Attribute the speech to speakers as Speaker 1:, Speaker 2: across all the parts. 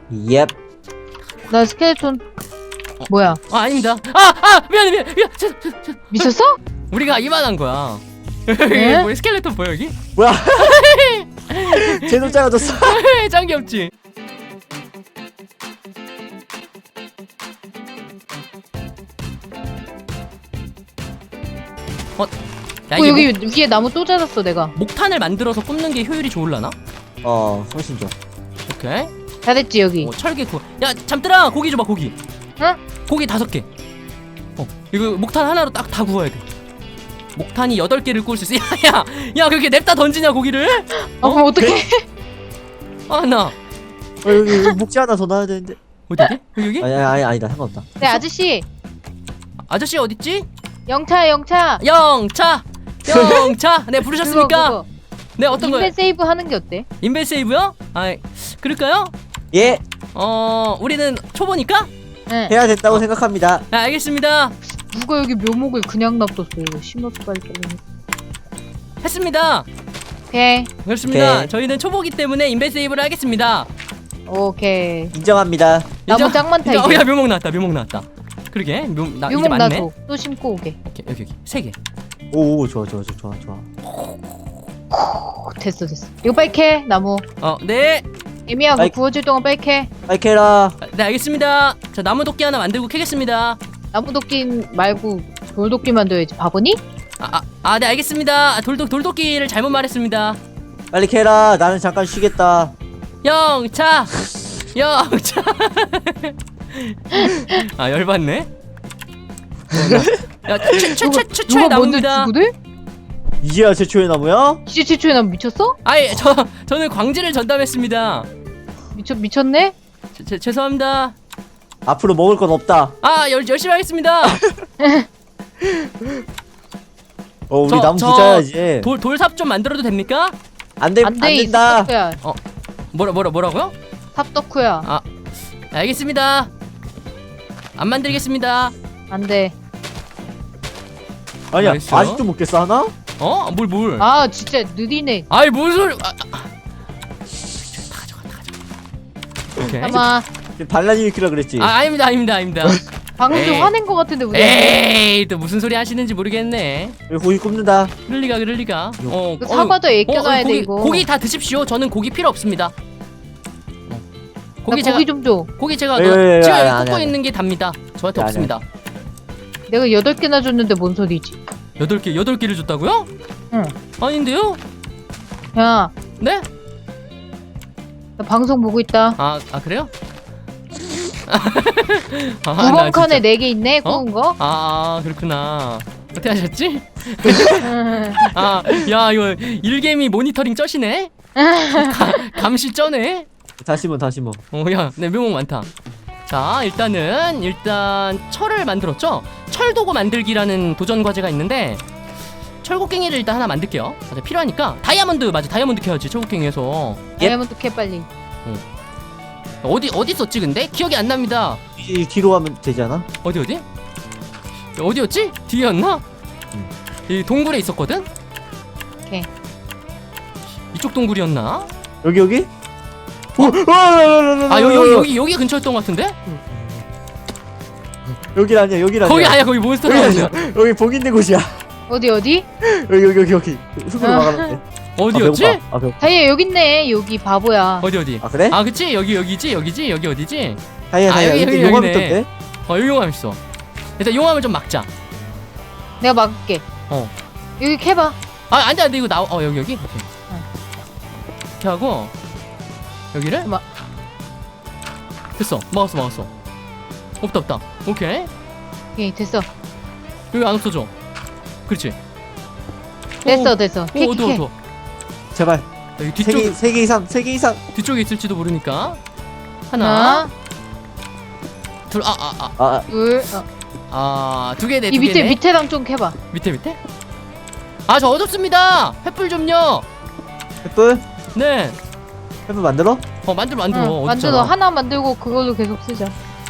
Speaker 1: 옙.
Speaker 2: 나 스켈레톤. 뭐야?
Speaker 3: 아닙니다. 미안해.
Speaker 2: 미쳤어?
Speaker 3: 우리가 이만한 거야.
Speaker 2: 네?
Speaker 3: 여기 뭐 스켈레톤 보여 여기?
Speaker 1: 뭐야? 쟤도 작아졌어.
Speaker 3: 짱 귀엽지? 야, 이게
Speaker 2: 여기 위에 나무 또 자랐어 내가.
Speaker 3: 목탄을 만들어서 굽는 게 효율이 좋을라나?
Speaker 1: 훨씬 좋아.
Speaker 3: 오케이.
Speaker 2: 잘했지 여기.
Speaker 3: 철개 구. 야 잠들아 고기 줘봐 고기.
Speaker 2: 응?
Speaker 3: 고기 5개. 이거 목탄 하나로 딱 다 구워야 돼. 목탄이 8개를 구울 수 있어. 야 그렇게 냅다 던지냐 고기를?
Speaker 2: 그럼 어떡해?
Speaker 3: 나
Speaker 1: 여기 목재 하나 더 놔야 되는데.
Speaker 3: 어디? 여기?
Speaker 1: 아니다 상관없다.
Speaker 2: 네 아저씨.
Speaker 3: 아저씨 어딨지?
Speaker 2: 영차.
Speaker 3: 영차. 네 부르셨습니까?
Speaker 2: 그거.
Speaker 3: 네 어떤 거요?
Speaker 2: 인벤 세이브 하는 게 어때?
Speaker 3: 인벤 세이브요? 그럴까요?
Speaker 1: 예,
Speaker 3: 우리는 초보니까?
Speaker 2: 응.
Speaker 1: 해야 된다고 생각합니다.
Speaker 3: 네 알겠습니다.
Speaker 2: 누가 여기 묘목을 그냥 놔뒀어? 이거 심어서 빨리.
Speaker 3: 했습니다.
Speaker 2: 오케이.
Speaker 3: 그렇습니다.
Speaker 1: 오케이.
Speaker 3: 저희는 초보기 때문에 인벤 세이브를 하겠습니다.
Speaker 2: 오케이.
Speaker 1: 인정합니다.
Speaker 2: 나무 짱 많다 이제.
Speaker 3: 야 묘목 나왔다. 그러게 이제
Speaker 2: 묘목
Speaker 3: 맞네.
Speaker 2: 나도 또 심고 오게.
Speaker 3: 오케이 여기 3개.
Speaker 1: 오, 좋아.
Speaker 2: 됐어. 이거 빨리 캐 나무.
Speaker 3: 네.
Speaker 2: 애미하고
Speaker 1: 아이.
Speaker 2: 구워질 동안 빨리 캐.
Speaker 1: 빨리 캐라.
Speaker 3: 네 알겠습니다. 자 나무 도끼 하나 만들고 캐겠습니다.
Speaker 2: 나무 도끼 말고 돌도끼 만들어야지. 바보니?
Speaker 3: 네 알겠습니다. 돌도끼를 잘못 말했습니다.
Speaker 1: 빨리 캐라. 나는 잠깐 쉬겠다.
Speaker 3: 영차. 열받네. 야 최초의
Speaker 2: 누가 먼저
Speaker 3: 나무입니다.
Speaker 2: 주고들?
Speaker 1: 이제야 최초의 나무야?
Speaker 2: 이제 최초의 나무 미쳤어?
Speaker 3: 저는 광지를 전담했습니다.
Speaker 2: 미쳤네?
Speaker 3: 죄송합니다.
Speaker 1: 앞으로 먹을 건 없다.
Speaker 3: 열심히 하겠습니다.
Speaker 1: 우리 나무 부자야지.
Speaker 3: 돌삽 좀 만들어도 됩니까?
Speaker 1: 안
Speaker 2: 안돼
Speaker 1: 된다.
Speaker 2: 삽덕후야.
Speaker 3: 뭐라고요?
Speaker 2: 삽덕후야.
Speaker 3: 알겠습니다. 안 만들겠습니다.
Speaker 2: 안돼.
Speaker 1: 아니야,
Speaker 3: 알겠어.
Speaker 1: 아직도 못 깼어 하나?
Speaker 3: 뭘?
Speaker 2: 아 진짜 느리네.
Speaker 3: 뭔 소리? 다 가져가. 오케이.
Speaker 2: 아마
Speaker 1: 반란이 일으키라 그랬지.
Speaker 3: 아닙니다.
Speaker 2: 방금 좀
Speaker 3: 에이.
Speaker 2: 화낸 거 같은데 우리.
Speaker 3: 에이, 또 무슨 소리 하시는지 모르겠네.
Speaker 1: 여기 고기 굽는다.
Speaker 3: 그럴 리가.
Speaker 2: 그 사과도 애껴놔야 돼 이거.
Speaker 3: 고기 다 드십시오. 저는 고기 필요 없습니다.
Speaker 2: 고기 좀 줘.
Speaker 3: 고기 제가
Speaker 1: 예,
Speaker 3: 지금
Speaker 1: 안
Speaker 3: 굽고
Speaker 1: 해.
Speaker 3: 있는 게 답니다. 저한테
Speaker 1: 안 해.
Speaker 3: 없습니다.
Speaker 2: 내가 8개나 줬는데 뭔 소리지?
Speaker 3: 8개를 줬다고요?
Speaker 2: 응.
Speaker 3: 아닌데요?
Speaker 2: 야,
Speaker 3: 네?
Speaker 2: 나 방송 보고 있다.
Speaker 3: 그래요?
Speaker 2: 구멍 칸에 4개 있네. 구운 거.
Speaker 3: 그렇구나. 어떻게 하셨지? 야 이거 일개미 모니터링 쩌시네? 감시 쩌네?
Speaker 1: 다시 뭐.
Speaker 3: 네 묘목 많다. 자 일단 철을 만들었죠? 철도구 만들기라는 도전 과제가 있는데 철곡갱이를 일단 하나 만들게요. 맞아 필요하니까 다이아몬드 캐야지 철곡갱이에서.
Speaker 2: 다이아몬드 캐 빨리.
Speaker 3: 어디 있었지 근데? 기억이 안 납니다.
Speaker 1: 이 뒤로 가면 되지 않아?
Speaker 3: 어디였지? 뒤였나? 이 동굴에 있었거든?
Speaker 2: 오케이.
Speaker 3: 이쪽 동굴이었나?
Speaker 1: 여기?
Speaker 3: 여기 근처였던 것 같은데?
Speaker 1: 여기 아니야.
Speaker 3: 거기 아니야 거기 몬스터 아니야.
Speaker 1: 여기 복 있는 곳이야.
Speaker 2: 어디?
Speaker 1: 여기. 흙으로 막아놨네.
Speaker 3: 어디였지?
Speaker 1: 배고파.
Speaker 2: 다이아 여기 있네. 여기 바보야.
Speaker 3: 어디?
Speaker 1: 그래?
Speaker 3: 그치 여기 어디지?
Speaker 1: 다이아. 여기 용암 있던데?
Speaker 3: 여기 용암 있어. 일단 용암을 좀 막자.
Speaker 2: 내가 막을게. 여기 캐봐.
Speaker 3: 안돼 이거 나와. 여기 오케이. 이렇게 하고 여기를 됐어. 막았어. 없다. 오케이.
Speaker 2: 오케이 됐어.
Speaker 3: 여기 안 없어져. 그렇지.
Speaker 2: 됐어. 캐.
Speaker 3: 어두워.
Speaker 1: 제발.
Speaker 3: 여기 뒤쪽
Speaker 1: 3개 이상.
Speaker 3: 뒤쪽에 있을지도 모르니까. 하나, 둘,
Speaker 2: 둘.
Speaker 3: 2개네.
Speaker 2: 이 밑에랑 좀 캐봐.
Speaker 3: 밑에? 저 어둡습니다. 횃불 좀요.
Speaker 1: 횃불?
Speaker 3: 네.
Speaker 1: 횃불 만들어?
Speaker 3: 만들어.
Speaker 2: 만들어. 하나 만들고 그걸로 계속 쓰자.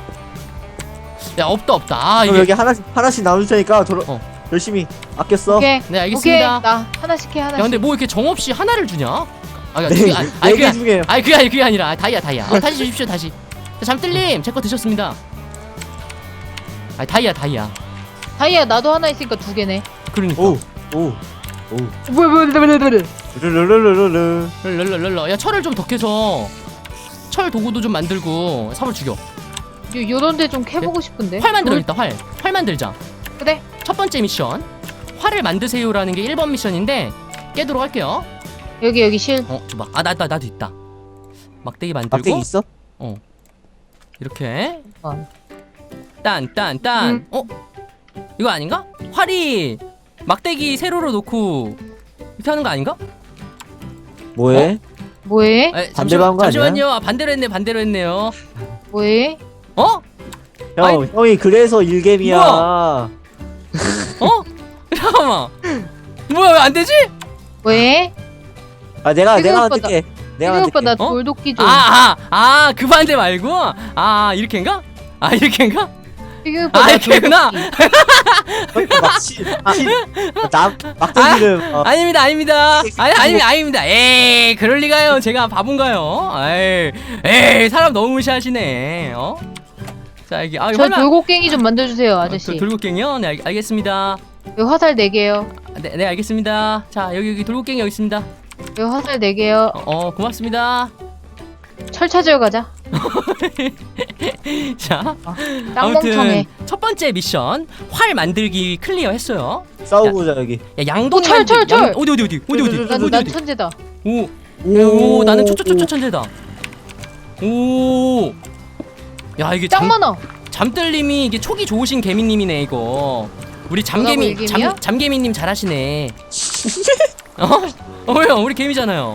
Speaker 3: 야 없다.
Speaker 1: 그럼 여기 하나씩 나눌 테니까 열심히 아꼈어.
Speaker 2: 오케이.
Speaker 3: 네 알겠습니다.
Speaker 2: 오케이. 나 하나씩 해.
Speaker 3: 야 근데 뭐 이렇게 정없이 하나를 주냐?
Speaker 1: 네 개 중에
Speaker 3: 그게 아니라 다이아. 다시 주십시오 다시. 자, 잠들님 제 거 드셨습니다. 아, 다이아.
Speaker 2: 다이아 나도 하나 있으니까 2개네.
Speaker 3: 그러니까.
Speaker 1: 오.
Speaker 2: 뭐야.
Speaker 1: 르르르르르르.
Speaker 3: 랄랄랄라. 야, 철을 좀 더 캐서 철 도구도 좀 만들고 삽을 죽여.
Speaker 2: 요런데 좀 캐보고 싶은데.
Speaker 3: 활 만들어야겠다. 활 만들자.
Speaker 2: 그래.
Speaker 3: 첫 번째 미션 활을 만드세요라는 게 1번 미션인데 깨도록 할게요.
Speaker 2: 여기 실.
Speaker 3: 줘봐. 아, 나도 있다. 막대기 만들고
Speaker 1: 막대기 있어?
Speaker 3: 이렇게
Speaker 2: 어.
Speaker 3: 딴 이거 아닌가? 활이 막대기 세로로 놓고 이렇게 하는 거 아닌가?
Speaker 1: 뭐해?
Speaker 2: 뭐해?
Speaker 1: 반대로 한거 아니야?
Speaker 3: 잠시만요. 아, 반대로 했네요.
Speaker 2: 뭐해?
Speaker 3: 어?
Speaker 1: 형, 형이 그래서 일겜이야.
Speaker 3: 어? 잠깐만. 뭐야, 왜 안 되지?
Speaker 2: 뭐해?
Speaker 1: 아, 내가
Speaker 2: 오빠
Speaker 1: 만들게. 내가
Speaker 2: 태균 오빠
Speaker 1: 만들게.
Speaker 2: 나
Speaker 3: 어?
Speaker 2: 돌도끼 좀.
Speaker 3: 그 반대 말고? 아, 이렇게인가? 이렇게인가?
Speaker 2: 태균 오빠 나
Speaker 3: 이렇게구나.
Speaker 1: 막대기를.
Speaker 3: 아닙니다. 아닙니다. 에이, 그럴 리가요. 제가 바본가요? 에이, 사람 너무 무시하시네. 자, 여기
Speaker 2: 저 돌고갱이 좀 만들어주세요 아저씨.
Speaker 3: 돌고갱이요? 네, 알겠습니다.
Speaker 2: 여기 화살 4개요.
Speaker 3: 네, 알겠습니다. 자, 여기 돌고갱이 여기 있습니다.
Speaker 2: 여기 화살 4개요.
Speaker 3: 고맙습니다.
Speaker 2: 철 찾으러 가자.
Speaker 3: 자,
Speaker 2: 땅멍청해.
Speaker 3: 아무튼 첫 번째 미션 활 만들기 클리어 했어요.
Speaker 1: 싸우고자 여기.
Speaker 3: 야, 양동
Speaker 2: 철.
Speaker 3: 어디?
Speaker 2: 난 천재다.
Speaker 3: 오, 나는 초초초초 천재다. 오, 야, 이게
Speaker 2: 짱 많아.
Speaker 3: 잠들님이 이게 촉이 좋으신 개미님이네 이거. 우리
Speaker 2: 뭐라고, 일개미야?
Speaker 3: 잠개미님 잘하시네. 왜요? 우리 개미잖아요.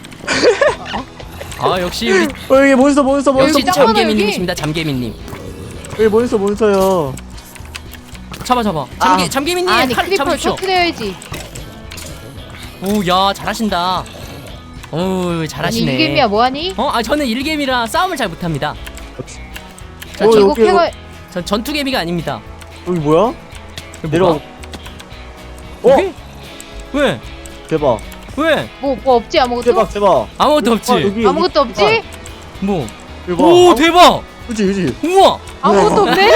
Speaker 3: 역시 우리
Speaker 1: 여기 몬스터.
Speaker 2: 여기 짱 많아,
Speaker 3: 잠개미님이십니다. 잠개미님.
Speaker 1: 여기 몬스터요.
Speaker 3: 잡아. 잠개미님
Speaker 2: 아니
Speaker 3: 칼
Speaker 2: 크리퍼를
Speaker 3: 잡으십시오.
Speaker 2: 터트려야지.
Speaker 3: 오, 야, 잘하신다. 오,
Speaker 2: 아니
Speaker 3: 잘하시네.
Speaker 2: 일개미야 뭐하니?
Speaker 3: 저는 일개미라 싸움을 잘 못합니다. 자,
Speaker 2: 이거
Speaker 1: 여기,
Speaker 2: 캐가.
Speaker 3: 전 전투개미가 아닙니다.
Speaker 1: 여기 뭐야?
Speaker 3: 여기
Speaker 1: 내려와.
Speaker 3: 뭐가? 여기? 왜?
Speaker 1: 대박.
Speaker 3: 왜?
Speaker 2: 뭐 없지 아무것도?
Speaker 1: 대박.
Speaker 3: 아무것도 없지.
Speaker 1: 여기,
Speaker 2: 아무것도 없지?
Speaker 3: 뭐?
Speaker 1: 대박.
Speaker 3: 오, 대박.
Speaker 1: 그치.
Speaker 3: 우와.
Speaker 2: 아무것도 없네?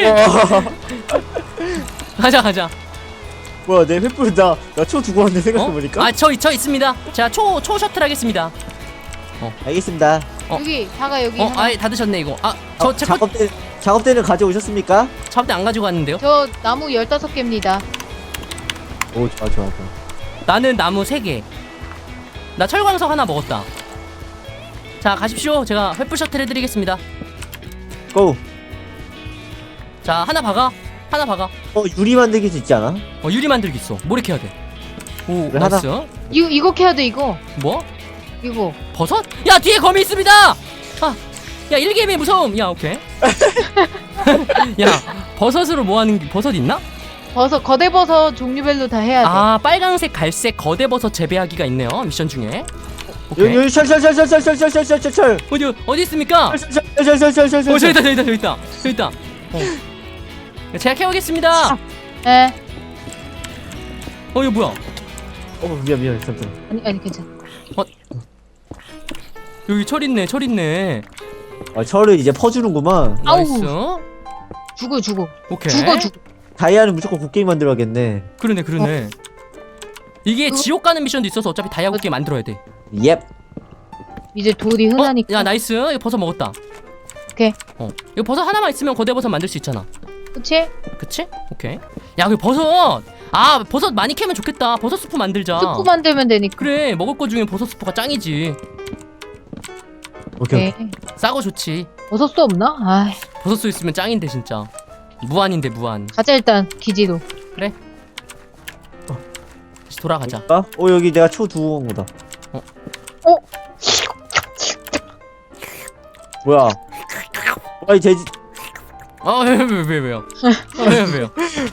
Speaker 3: 가자.
Speaker 1: 뭐야, 내 횃불 나초 두고 왔는데 생각해보니까.
Speaker 3: 저 있습니다. 자, 초 셔틀 하겠습니다.
Speaker 1: 알겠습니다.
Speaker 2: 여기 다가 여기 하나.
Speaker 3: 다 드셨네 이거. 제 거
Speaker 1: 작업대는 가져오셨습니까?
Speaker 3: 잡대 안 가지고 왔는데요.
Speaker 2: 저 나무 15개입니다.
Speaker 1: 오, 좋아.
Speaker 3: 나는 나무 3개. 나 철광석 하나 먹었다. 자, 가십시오. 제가 횃불 셔틀 해드리겠습니다.
Speaker 1: 고.
Speaker 3: 자, 하나 박아.
Speaker 1: 유리 만들기 있지 않아?
Speaker 3: 유리 만들기 있어. 뭘 이렇게 해야 돼? 오,
Speaker 1: 그래,
Speaker 3: 나이스.
Speaker 2: 이거 캐야 돼 이거.
Speaker 3: 뭐?
Speaker 2: 이거.
Speaker 3: 버섯? 야, 뒤에 거미 있습니다. 야, 일개미 무서움. 야, 오케이. 야, 버섯으로 뭐 하는 버섯 있나?
Speaker 2: 거대 버섯 종류별로 다 해야 돼.
Speaker 3: 빨강색, 갈색 거대 버섯 재배하기가 있네요. 미션 중에. 오케이.
Speaker 1: 여기 철.
Speaker 3: 어디 있습니까?
Speaker 1: 철.
Speaker 3: 저기 있다. 제가 캐오겠습니다.
Speaker 2: 네.
Speaker 3: 이거 뭐야?
Speaker 1: 미안. 잠깐.
Speaker 2: 아니 괜찮아.
Speaker 3: 여기 철 있네.
Speaker 1: 철을 이제 퍼주는구만.
Speaker 2: 아우.
Speaker 3: 나이스.
Speaker 2: 죽어.
Speaker 3: 오케이.
Speaker 2: 죽어.
Speaker 1: 다이아는 무조건 곡괭이 만들어야겠네.
Speaker 3: 그러네. 이게 지옥 가는 미션도 있어서 어차피 다이아 곡괭이 만들어야 돼.
Speaker 1: 옙.
Speaker 2: 이제 돌이 흔하니까.
Speaker 3: 야, 나이스. 이거 버섯 먹었다.
Speaker 2: 오케이.
Speaker 3: 이거 버섯 하나만 있으면 거대 버섯 만들 수 있잖아.
Speaker 2: 그치?
Speaker 3: 오케이. 야, 그 버섯. 버섯 많이 캐면 좋겠다. 버섯 스프 만들자.
Speaker 2: 스프 만들면 되니까.
Speaker 3: 그래, 먹을 거 중에 버섯 스프가 짱이지.
Speaker 1: 오케이.
Speaker 3: 싸고 좋지.
Speaker 2: 버섯도 없나? 아이.
Speaker 3: 버섯 수 있으면 짱인데 진짜. 무한인데 무한.
Speaker 2: 가자 일단 기지로.
Speaker 3: 그래. 다시 돌아가자.
Speaker 1: 여기 내가 초 두고 온 거다. 뭐야? 이 돼지.
Speaker 3: 왜요? 왜요?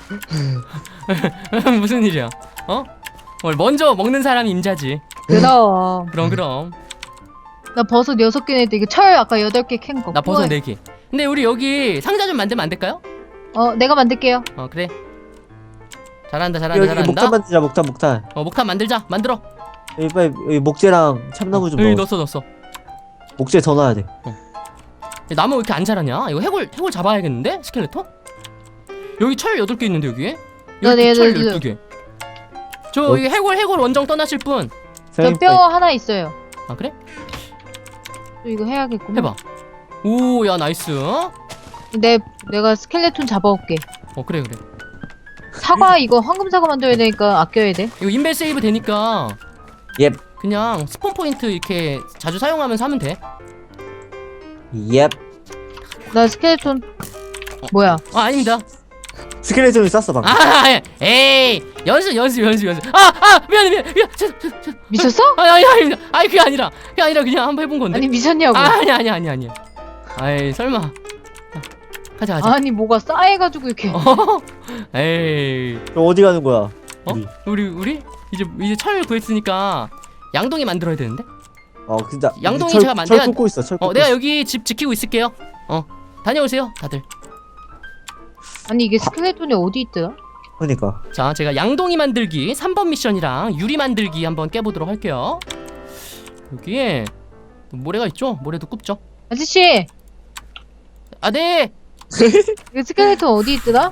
Speaker 3: 무슨 일이야? 먼저 먹는 사람이 임자지. 그럼.
Speaker 2: 나 버섯 6개 냈대. 이거 철 아까 8개 캔 거.
Speaker 3: 나 버섯 4개. 근데 우리 여기 상자 좀 만들면 안 될까요?
Speaker 2: 내가 만들게요.
Speaker 3: 그래. 잘한다.
Speaker 1: 여기 목탄 만들자. 목탄.
Speaker 3: 목탄 만들어.
Speaker 1: 여기 빨리 여기 목재랑 참나무 좀
Speaker 3: 여기
Speaker 1: 넣어.
Speaker 3: 넣었어.
Speaker 1: 목재 더 넣어야 돼.
Speaker 3: 나무 왜 이렇게 안 자라냐? 이거 해골 잡아야겠는데? 스켈레톤? 여기 철 8개 있는데 여기에? 여기 철 12개. 저 여기 해골 원정 떠나실 분.
Speaker 2: 저 뼈 하나 있어요.
Speaker 3: 아 그래?
Speaker 2: 또 이거 해야겠구만.
Speaker 3: 해봐. 오, 야 나이스.
Speaker 2: 내가 스켈레톤 잡아올게.
Speaker 3: 그래.
Speaker 2: 사과 이거 황금 사과 만들어야 되니까 아껴야 돼.
Speaker 3: 이거 인벨 세이브 되니까
Speaker 1: 예.
Speaker 3: 그냥 스폰 포인트 이렇게 자주 사용하면서 하면 돼.
Speaker 1: 예.
Speaker 2: 나 스켈레톤 뭐야?
Speaker 3: 아닙니다.
Speaker 1: 스켈레톤을 쐈어 방금.
Speaker 3: 에이 연습. 미안해.
Speaker 2: 미쳤어?
Speaker 3: 아닙니다. 그게 아니라 그냥 한번 해본 건데.
Speaker 2: 아니 미쳤냐고.
Speaker 3: 아니야. 아이 설마. 가자.
Speaker 2: 아니 뭐가 싸해가지고 이렇게.
Speaker 3: 에이.
Speaker 1: 그럼 어디 가는 거야?
Speaker 3: 우리 이제 철 구했으니까 양동이 만들어야 되는데.
Speaker 1: 진짜.
Speaker 3: 양동이
Speaker 1: 철,
Speaker 3: 제가
Speaker 1: 철 꽂고 있어. 철 꽂고
Speaker 3: 내가
Speaker 1: 있어.
Speaker 3: 여기 집 지키고 있을게요. 다녀오세요 다들.
Speaker 2: 아니 이게 스켈레톤이 어디 있더라?
Speaker 1: 그러니까.
Speaker 3: 자, 제가 양동이 만들기 3번 미션이랑 유리 만들기 한번 깨보도록 할게요. 여기에 모래가 있죠? 모래도 굽죠?
Speaker 2: 아저씨
Speaker 3: 네.
Speaker 2: 이거 스켈레톤 어디 있더라?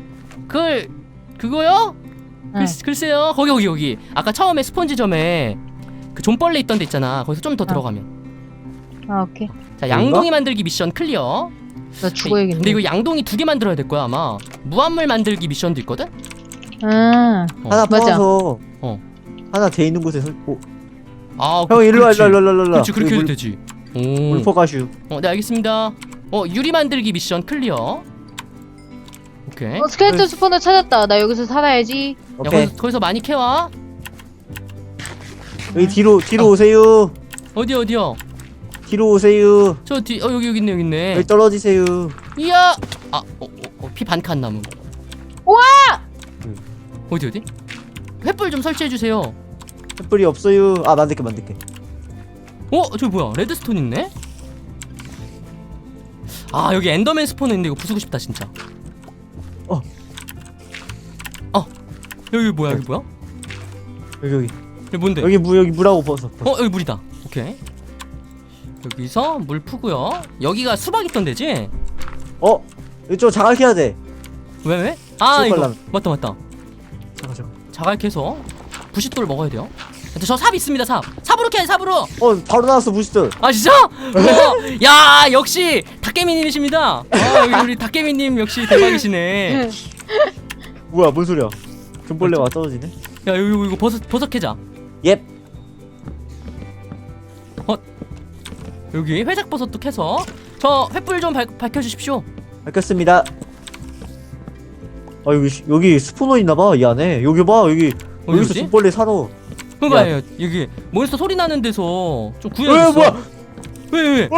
Speaker 3: 그거요?
Speaker 2: 응.
Speaker 3: 글쎄요. 거기. 아까 처음에 스폰지점에 그 존벌레 있던 데 있잖아. 거기서 좀 더 들어가면.
Speaker 2: 오케이.
Speaker 3: 자, 양동이 만들기 미션 클리어.
Speaker 2: 나 죽어야겠네.
Speaker 3: 근데 이거 양동이 2개 만들어야 될 거야 아마. 무한물 만들기 미션도 있거든?
Speaker 2: 하나
Speaker 1: 하나
Speaker 2: 맞아.
Speaker 1: 퍼서. 하나 돼 있는 곳에 형 일로 와.
Speaker 3: 그렇지 그렇게 해도 되지.
Speaker 1: 물포가슈.
Speaker 3: 네 알겠습니다. 유리 만들기 미션 클리어. 오케이.
Speaker 2: 스켈레톤 스포너 찾았다. 나 여기서 살아야지.
Speaker 3: 야,
Speaker 1: 오케이.
Speaker 3: 거기서 많이 캐와.
Speaker 1: 여기 뒤로 오세요.
Speaker 3: 어디요?
Speaker 1: 뒤로 오세요.
Speaker 3: 저 뒤, 여기 있네.
Speaker 1: 여기 떨어지세요.
Speaker 3: 이야. 피 반칸 나무.
Speaker 2: 우와!
Speaker 3: 어디? 횃불 좀 설치해 주세요.
Speaker 1: 횃불이 없어요. 만들게.
Speaker 3: 저기 뭐야? 레드스톤 있네. 여기 엔더맨 스포너 있는데 이거 부수고 싶다 진짜. 여기 뭐야?
Speaker 1: 여기
Speaker 3: 여기 뭔데?
Speaker 1: 여기 물하고 벗어.
Speaker 3: 여기 물이다. 오케이. 여기서 물 푸고요. 여기가 수박 있던 데지?
Speaker 1: 이쪽 자갈 캐야 돼.
Speaker 3: 왜?
Speaker 1: 수박
Speaker 3: 이거
Speaker 1: 라면.
Speaker 3: 맞다.
Speaker 1: 잠깐.
Speaker 3: 자갈 캐서 부싯돌 먹어야 돼요. 저 삽 있습니다. 삽으로 캐. 삽으로.
Speaker 1: 바로 나왔어 무시들.
Speaker 3: 진짜? 야 역시 닭개미님이십니다. 여기 우리 닭개미님 역시 대박이시네.
Speaker 1: 뭐야 뭔 소리야? 존벌레가 떨어지네.
Speaker 3: 야 이거 버섯 캐자.
Speaker 1: 예.
Speaker 3: 여기 회색 버섯도 캐서 저 횃불 좀 밝혀주십시오.
Speaker 1: 알겠습니다. 여기 스포너 있나봐 이 안에. 여기 봐 여기서
Speaker 3: 어디지?
Speaker 1: 존벌레 살아.
Speaker 3: 그거예요. 여기 몬스터 소리 나는 데서 좀 구해줬어.
Speaker 1: 뭐야?
Speaker 3: 왜?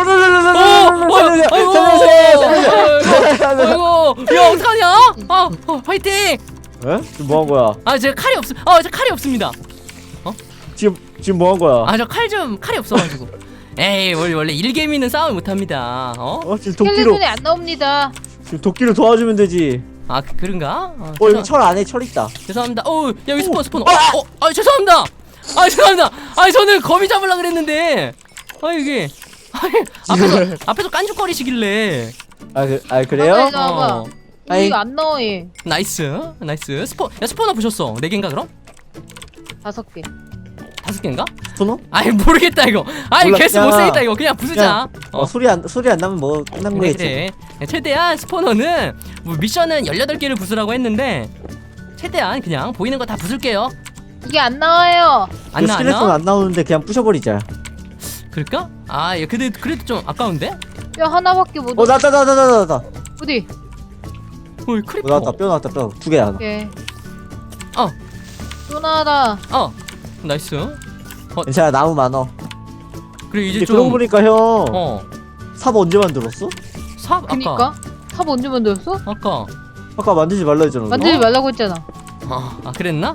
Speaker 1: 살려주세요.
Speaker 3: 아이고, 야 어떡하냐? 화이팅!
Speaker 1: 지금 뭐 한 거야?
Speaker 3: 제가 칼이 없습니다.
Speaker 1: 지금 뭐 한 거야?
Speaker 3: 저 칼이 없어가지고. 에이 원래 일개미는 싸움을 못합니다.
Speaker 1: 지금 도끼로
Speaker 2: 스켈레톤이 안 나옵니다.
Speaker 1: 지금 도끼로 도와주면 되지.
Speaker 3: 그런가?
Speaker 1: 여기 철 안에 철 있다.
Speaker 3: 죄송합니다. 여기 스폰. 죄송합니다. 저는 거미 잡으려 그랬는데. 이게. 앞에서 깐죽거리시길래.
Speaker 1: 그래요?
Speaker 2: 봐봐.
Speaker 1: 아이.
Speaker 2: 이거 안 나와 얘.
Speaker 3: 나이스. 스포너 부셨어. 4개인가 그럼?
Speaker 2: 5개.
Speaker 3: 5개인가?
Speaker 1: 스포너?
Speaker 3: 모르겠다 이거.
Speaker 1: 몰라.
Speaker 3: 개수 못 쓰겠다 이거. 그냥 부수자.
Speaker 1: 소리 안 나면 뭐 끝난 거겠지.
Speaker 3: 그래. 최대한 스포너는 미션은 18개를 부수라고 했는데 최대한 그냥 보이는 거 다 부술게요.
Speaker 2: 이게 안 나와요.
Speaker 3: 안
Speaker 1: 스켈레톤
Speaker 3: 나와?
Speaker 1: 안 나오는데 그냥 부셔버리자.
Speaker 3: 그럴까? 그래도 좀 아까운데?
Speaker 2: 뼈 하나밖에 못.
Speaker 1: 나왔다.
Speaker 2: 어디?
Speaker 3: 크리퍼.
Speaker 1: 나왔다. 뼈 나왔다. 뼈 2개 하나.
Speaker 2: 오케이.
Speaker 3: 어.
Speaker 2: 또 나와라.
Speaker 3: 나이스.
Speaker 1: 괜찮아 나무 많어.
Speaker 3: 그래 이제
Speaker 1: 근데
Speaker 3: 좀.
Speaker 1: 그러고 보니까 형. 삽 언제 만들었어?
Speaker 3: 삽 아까.
Speaker 2: 그니까. 삽 언제 만들었어?
Speaker 1: 아까 만들지 말라 했잖아.
Speaker 2: 만들지 말라고 했잖아.
Speaker 3: 그랬나?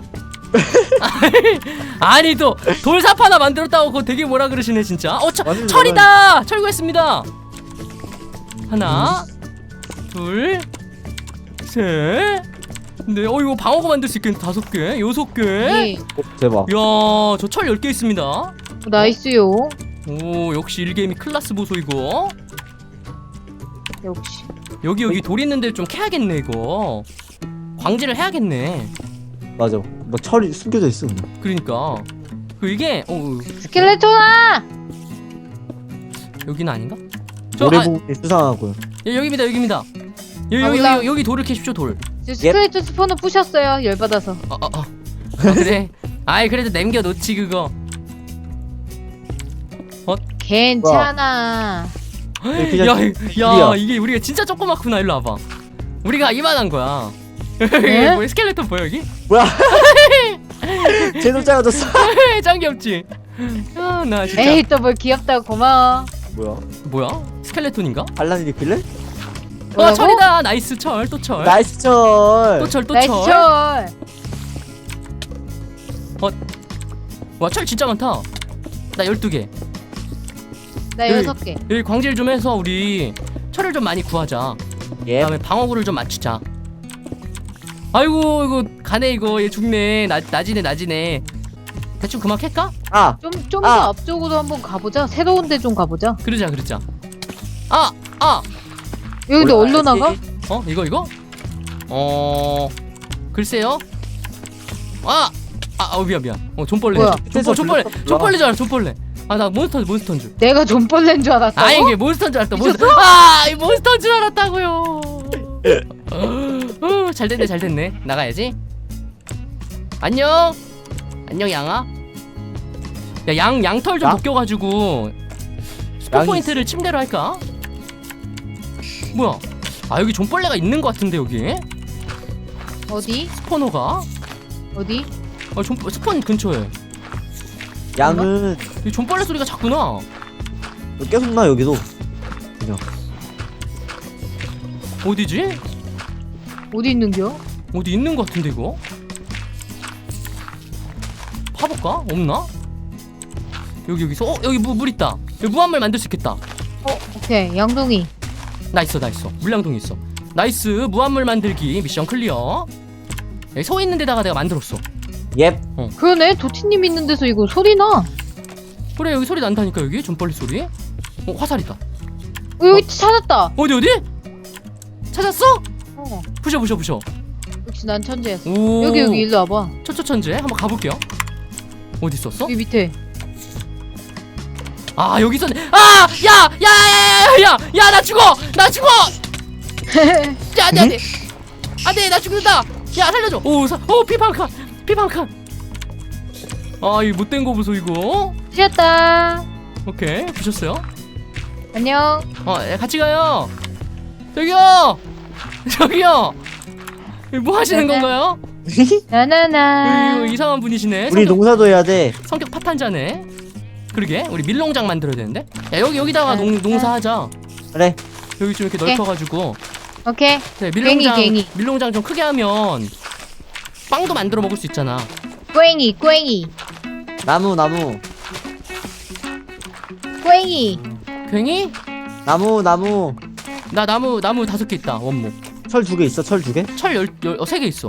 Speaker 3: 아니 또 돌삽 하나 만들었다고 그거 되게 뭐라 그러시네 진짜. 철이다. 철구했습니다. 하나, 둘, 셋, 넷. 이거 방어구 만들 수 있겠네. 5개, 6개.
Speaker 2: 네.
Speaker 1: 대박.
Speaker 3: 야, 저 철 10개 있습니다.
Speaker 2: 나이스요.
Speaker 3: 오, 역시 일개미 클라스 보소 이거.
Speaker 2: 역시.
Speaker 3: 여기 돌 있는 데를 좀 캐야겠네 이거. 광질을 해야겠네.
Speaker 1: 맞아. 막 철이 숨겨져 있어. 그냥.
Speaker 3: 그러니까 이게
Speaker 2: 스켈레톤아!
Speaker 3: 여기는 아닌가?
Speaker 1: 모래 부분이 수상하고요.
Speaker 3: 여기입니다.
Speaker 2: 아, 몰라.
Speaker 3: 여기 돌을 캐십시오 돌.
Speaker 2: 지금 스켈레톤 스포너 부셨어요. 열받아서.
Speaker 3: 그래. 아이 그래도 남겨놓지 그거.
Speaker 2: 괜찮아.
Speaker 3: 야 이게 우리가 진짜 조그맣구나. 일로 와봐. 우리가 이만한 거야.
Speaker 2: 네?
Speaker 3: 뭐 스켈레톤 보여 여기?
Speaker 1: 뭐야? 제노 작아졌어.
Speaker 3: 짱 귀엽지? 나 진짜.
Speaker 2: 에이 또 뭘 귀엽다고 고마워.
Speaker 1: 뭐야?
Speaker 3: 스켈레톤인가?
Speaker 1: 반란이 길래?
Speaker 2: 뭐라고?
Speaker 3: 철이다. 나이스 철. 또 철.
Speaker 1: 나이스 철.
Speaker 3: 또 철.
Speaker 2: 나이스 철.
Speaker 3: 와 철 진짜 많다. 나 12개.
Speaker 2: 나
Speaker 3: 여기.
Speaker 2: 6개.
Speaker 3: 여기 광질 좀 해서 우리 철을 좀 많이 구하자.
Speaker 1: 예.
Speaker 3: 그다음에 방어구를 좀 맞추자. 아이고 이거 가네 이거. 얘 죽네. 나지네. 대충 그만 캘까?
Speaker 1: 아.
Speaker 2: 좀 더 앞쪽으로 한번 가보자. 새로운 데 좀 가보자.
Speaker 3: 그러자.
Speaker 2: 여기도 어디로 나가?
Speaker 3: 이거? 글쎄요. 미안. 존벌레.
Speaker 2: 뭐야?
Speaker 3: 존벌레 줄 알아. 존벌레. 나 몬스터인 줄.
Speaker 2: 내가 존벌레인 줄 알았다고?
Speaker 3: 이게 몬스터인 줄 알았다. 이 몬스터인 줄 알았다고요. 잘 됐네. 나가야지. 안녕 양아. 야 양털 좀
Speaker 1: 야?
Speaker 3: 벗겨가지고 스포
Speaker 1: 양이
Speaker 3: 포인트를 침대로 할까? 뭐야? 여기 존벌레가 있는 것 같은데 여기
Speaker 2: 어디?
Speaker 3: 스포너가?
Speaker 2: 어디?
Speaker 3: 스폰 근처에.
Speaker 1: 양은
Speaker 3: 이 존벌레 소리가 작구나.
Speaker 1: 계속 나 여기도. 그냥.
Speaker 3: 어디지?
Speaker 2: 어디 있는겨?
Speaker 3: 어디 있는 것 같은데 이거? 파볼까? 없나? 여기서 여기 물 있다. 여기 무한물 만들 수 있겠다.
Speaker 2: 오케이 양동이.
Speaker 3: 나 있어. 물량동 있어. 나이스. 무한물 만들기 미션 클리어. 여기 소 있는 데다가 내가 만들었어.
Speaker 1: 예.
Speaker 2: 그러네 도티님 있는 데서 이거 소리 나.
Speaker 3: 그래 여기 소리 난다니까. 여기 존벌레 소리. 화살이다.
Speaker 2: 여기 찾았다.
Speaker 3: 어디? 찾았어? 부셔.
Speaker 2: 역시 난 천재였어.
Speaker 3: 오.
Speaker 2: 여기 일로 와봐.
Speaker 3: 천재 한번 가볼게요. 어디 있었어?
Speaker 2: 여기 밑에.
Speaker 3: 여기 있었네. 야 나 죽어. 야 안돼 나 죽는다. 야 살려줘. 피방칸. 이 못된 거 보소 이거.
Speaker 2: 부셨다.
Speaker 3: 오케이 부셨어요.
Speaker 2: 안녕.
Speaker 3: 같이 가요. 저기요. 뭐 하시는
Speaker 2: 네네.
Speaker 3: 건가요?
Speaker 2: 나나나.
Speaker 3: 이상한 분이시네.
Speaker 1: 우리 농사도 해야 돼.
Speaker 3: 성격 파탄자네. 그러게 우리 밀농장 만들어야 되는데. 야 여기다가 농사하자.
Speaker 1: 그래.
Speaker 3: 여기 좀 이렇게
Speaker 2: 오케이.
Speaker 3: 넓혀가지고.
Speaker 2: 오케이.
Speaker 3: 네,
Speaker 2: 괭이.
Speaker 3: 밀농장 좀 크게 하면 빵도 만들어 먹을 수 있잖아.
Speaker 2: 괭이.
Speaker 1: 나무.
Speaker 2: 괭이.
Speaker 3: 괜히?
Speaker 1: 나무.
Speaker 3: 나 나무 5개 있다. 원목.
Speaker 1: 철 2개 있어. 철 2개?
Speaker 3: 철 3개 있어.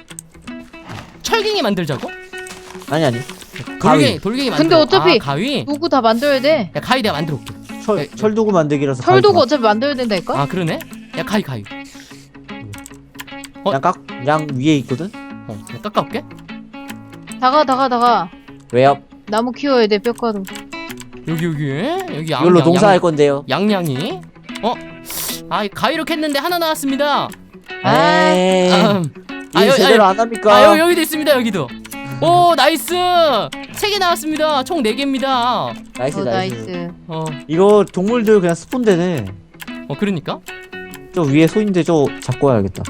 Speaker 3: 철갱이 만들자고?
Speaker 1: 아니. 가위.
Speaker 3: 돌갱이
Speaker 2: 근데
Speaker 3: 만들어.
Speaker 2: 어차피
Speaker 3: 가위?
Speaker 2: 도구 다 만들어야 돼.
Speaker 3: 야 가위 내가 만들어 올게.
Speaker 1: 철 도구 만들기라서.
Speaker 2: 철도구 어차피 만들어야 된다니까?
Speaker 3: 그러네? 야 가위.
Speaker 1: 양 위에 있거든.
Speaker 3: 내가 깎아올게.
Speaker 2: 다가.
Speaker 1: 왜요?
Speaker 2: 나무 키워야 돼 뼈가루.
Speaker 3: 여기 양.
Speaker 1: 이걸로 농사할 건데요.
Speaker 3: 양양이. 이 가위로 캤는데 하나 나왔습니다.
Speaker 1: 에이. 일
Speaker 3: 여기-
Speaker 1: 제대로 안 합니까?
Speaker 3: 여기도 있습니다. 여기도. 오 나이스. 3개 나왔습니다. 총 4개입니다.
Speaker 1: 나이스. 이거 동물들 그냥 스폰되네.
Speaker 3: 그러니까.
Speaker 1: 저 위에 소인데 저 잡고 와야겠다.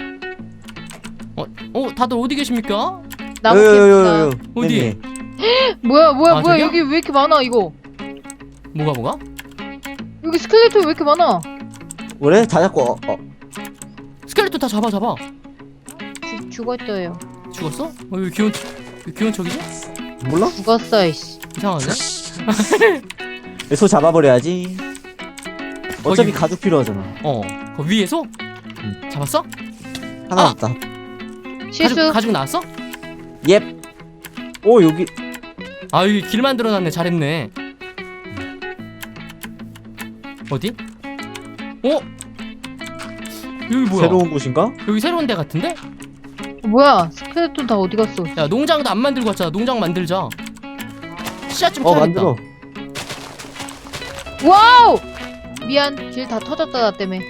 Speaker 3: 다들 어디 계십니까?
Speaker 2: 나무 키웠다.
Speaker 3: 어디?
Speaker 2: 뭐야
Speaker 3: 저기요?
Speaker 2: 여기 왜 이렇게 많아 이거?
Speaker 3: 뭐가?
Speaker 2: 여기 스켈레톤 왜 이렇게 많아?
Speaker 1: 그래? 다 잡고
Speaker 3: 스켈레톤 다 잡아.
Speaker 2: 죽었어요.
Speaker 3: 죽었어? 왜 귀여운 척이지?
Speaker 1: 몰라?
Speaker 2: 죽었어 이씨.
Speaker 3: 이상하네.
Speaker 1: 소 잡아버려야지. 어차피
Speaker 3: 거기-
Speaker 1: 가죽 필요하잖아.
Speaker 3: 그 위에서? 잡았어?
Speaker 1: 하나 왔다.
Speaker 2: 실수.
Speaker 3: 가죽 나왔어?
Speaker 1: 옙. 오 여기
Speaker 3: 여기 길 만들어놨네. 잘했네. 어디? 여기 뭐야?
Speaker 1: 새로운 곳인가?
Speaker 3: 여기 새로운 데 같은데?
Speaker 2: 뭐야? 스켈레톤 다 어디 갔어?
Speaker 3: 야 농장도 안 만들고 왔잖아. 농장 만들자. 씨앗 좀 캐야겠다.
Speaker 1: 만들어.
Speaker 2: 와우! 미안, 길 다 터졌다 나 때문에.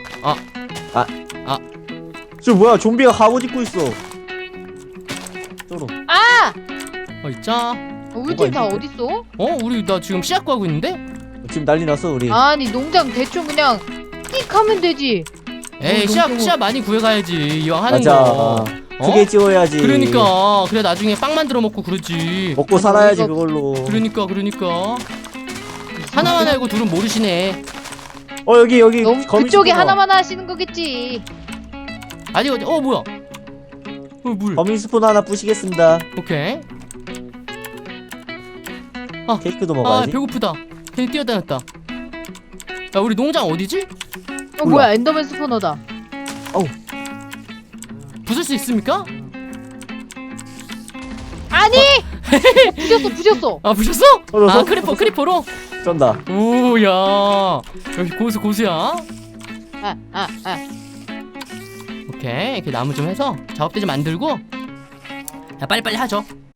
Speaker 1: 저 뭐야? 좀비가 갑옷 입고 있어. 쩔어.
Speaker 2: 아!
Speaker 3: 있자.
Speaker 2: 우리 팀 다
Speaker 1: 있는데?
Speaker 2: 어딨어?
Speaker 3: 우리 나 지금 씨앗 구하고 있는데?
Speaker 1: 지금 난리 났어 우리.
Speaker 2: 아니 농장 대충 그냥 띡 하면 되지.
Speaker 3: 에이 씨앗 많이 구해가야지 이왕 하는
Speaker 1: 맞아.
Speaker 3: 거.
Speaker 1: 크게 지어야지.
Speaker 3: 그러니까 그래 나중에 빵 만들어 먹고 그러지.
Speaker 1: 먹고 살아야지
Speaker 2: 이거-
Speaker 1: 그걸로.
Speaker 3: 그러니까 하나만 알고 둘은 모르시네.
Speaker 1: 여기
Speaker 2: 너무
Speaker 1: 거미
Speaker 2: 그쪽에
Speaker 1: 스포너.
Speaker 2: 하나만 하시는 거겠지.
Speaker 3: 아직 뭐야? 물.
Speaker 1: 거미 스포너 하나 부시겠습니다.
Speaker 3: 오케이.
Speaker 1: 케이크도 먹어야지.
Speaker 3: 배고프다. 괜히 뛰어다녔다. 야 우리 농장 어디지?
Speaker 2: 어 뭐야 엔더맨 스포너다.
Speaker 3: 부술 수 있습니까?
Speaker 2: 아니! 부셨어.
Speaker 3: 아 부셨어?
Speaker 1: 떨어졌어?
Speaker 3: 크리퍼로?
Speaker 1: 쩐다.
Speaker 3: 오야 여기 고수야.
Speaker 2: 아.
Speaker 3: 오케이 이렇게 나무 좀 해서 작업대 좀 만들고 야 빨리빨리 하죠.